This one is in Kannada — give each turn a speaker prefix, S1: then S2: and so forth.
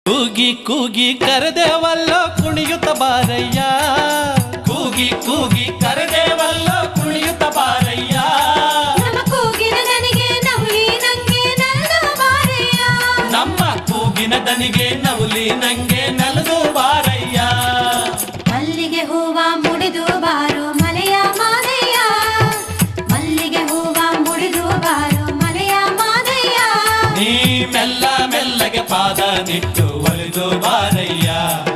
S1: ಕೂಗಿ ಕೂಗಿ ಕರೆದೇವಲ್ಲೋ ಕುಣಿಯುತ್ತ ಬಾರಯ್ಯ, ಕೂಗಿ ಕೂಗಿ ಕರೆದೇವಲ್ಲೋ ಕುಣಿಯುತ್ತ ಬಾರಯ್ಯ.
S2: ನಮ್ಮ ಕೂಗಿನ ದನಿಗೆ ನವುಲಿ ನಂಗೆ ನಲ್ದು ಬಾರಯ್ಯ,
S1: ನಮ್ಮ ಕೂಗಿನ ದನಿಗೆ ನವುಲಿ ನಂಗೆ ನಲ್ದು ಬಾರಯ್ಯ.
S2: ಮಲ್ಲಿಗೆ ಹೂವ ಮುಡಿದು ಬಾರೋ ಮಲೆಯ ಮಾದಯ್ಯ, ಮಲ್ಲಿಗೆ ಹೂವ ಮುಡಿದು ಬಾರೋ ಮಲೆಯ ಮಾದಯ್ಯ.
S1: ನೀ ಮೆಲ್ಲ ಮೆಲ್ಲಗೆ ಪಾದ ನಿಟ್ಟು ಒಲಿದು ಬಾರಯ್ಯ.